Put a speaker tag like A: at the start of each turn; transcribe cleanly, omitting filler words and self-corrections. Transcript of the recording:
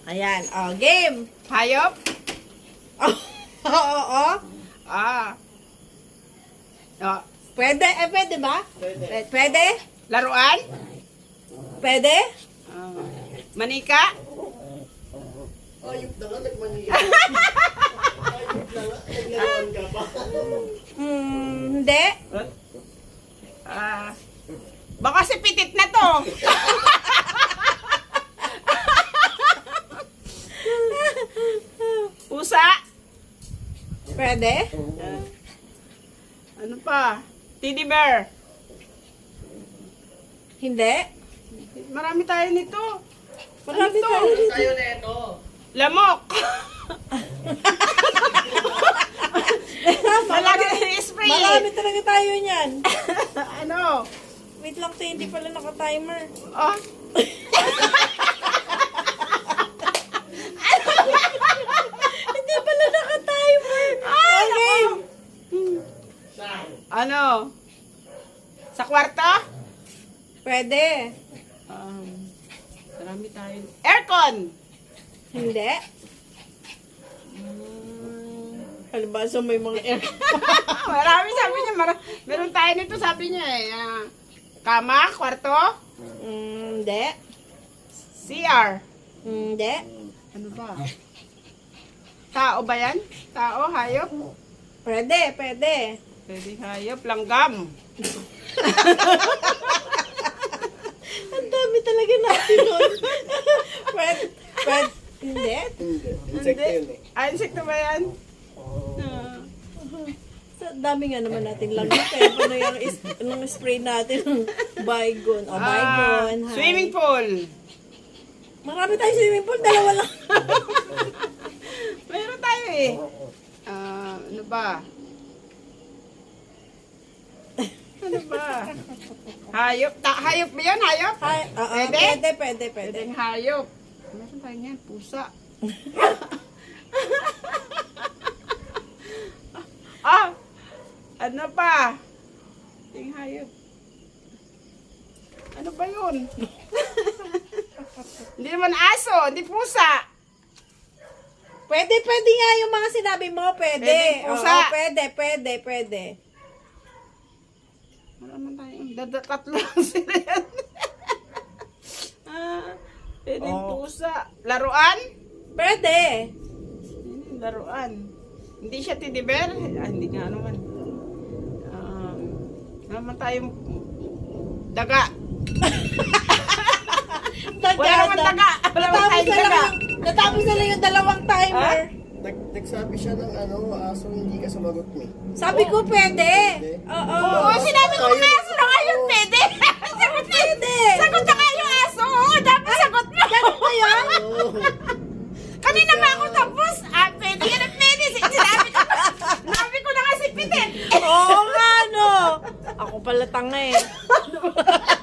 A: Ayan, oh, game.
B: Hayop?
A: Oo.
B: Ah. Oh.
A: Pwede, pwede ba? Pwede?
B: Laruan?
A: Pwede?
B: Ah. Manika?
C: Ayop na nga, nagmaniya. Ayop na nga, naglalawan ka pa.
A: Hindi.
B: Ah. Baka si Pitit na to. Pusa?
A: Pwede?
B: Ano pa? Teddy bear?
A: Hindi.
B: Marami tayo nito.
A: Marami
B: Ano to?
A: tayo dito.
C: Tayo na ito.
B: Lamok. Malaki spray.
A: Marami talaga tayo niyan.
B: Ano?
A: Wait lang, te, hindi pala naka-timer.
B: Oh.
A: Hindi pala naka-timer. Okay.
B: Ano? Sa kwarto?
A: Pwede.
B: Marami tayo. Aircon.
A: Hindi. Halibasa may mga air.
B: Marami sabi niya. Meron tayo nito sabi niya eh. Kama, kwarto,
A: Hindi.
B: CR.
A: Hindi.
B: Ano ba? Tao ba yan? Tao, hayop?
A: Pwede, pwede.
B: Pwede hayop, langgam.
A: Ang dami talaga natin nun. Pwede, pwede. Hindi.
C: Hindi. Insekto yun eh.
B: Ah, insekto ba yan?
A: Sa dami nga naman natin lang. Kaya paano yung spray natin? Bygone. O, bygone. Hi.
B: Swimming pool.
A: Marami tayong swimming pool. Dalawa lang.
B: Meron tayo eh. Ano ba? Ano ba? Hayop. Hayop ba yun? Hayop?
A: Hi.
B: Pwede?
A: Pwede, pwede, pwede.
B: Pwedeng hayop. Meron tayo yan. Pusa. Ano pa? Pwedeng hayop. Ano ba yun? Hindi naman aso. Hindi pusa.
A: Pwede, pwede nga yung mga sinabi mo. Pwede.
B: Pwede, pusa.
A: Oo, pwede, pwede, pwede.
B: Marami tayong tatlo lang sila yan. Pwedeng pusa. Laruan?
A: Pwede.
B: Laruan. Hindi siya teddy bear? Hindi nga naman. Naman tayong daga. Wala naman daga. Wala naman tayong daga.
A: Natapos na lang yung dalawang timer.
C: Nagsabi siya ng aso, hindi ka sumagot mo.
A: Sabi ko pwede. Oo.
B: Oo, sinabi ko nga aso na ngayon pwede. Sagot na.
A: Pwede.
B: Sagot na nga yung aso. Oo, dapat sagot mo.
A: Ganun ba yun?
B: Kanina pa ako tapos. Pwede yan at pwede. Sinabi ko na nga si Pitit.
A: Oo nga, no. Ako pala tanga eh.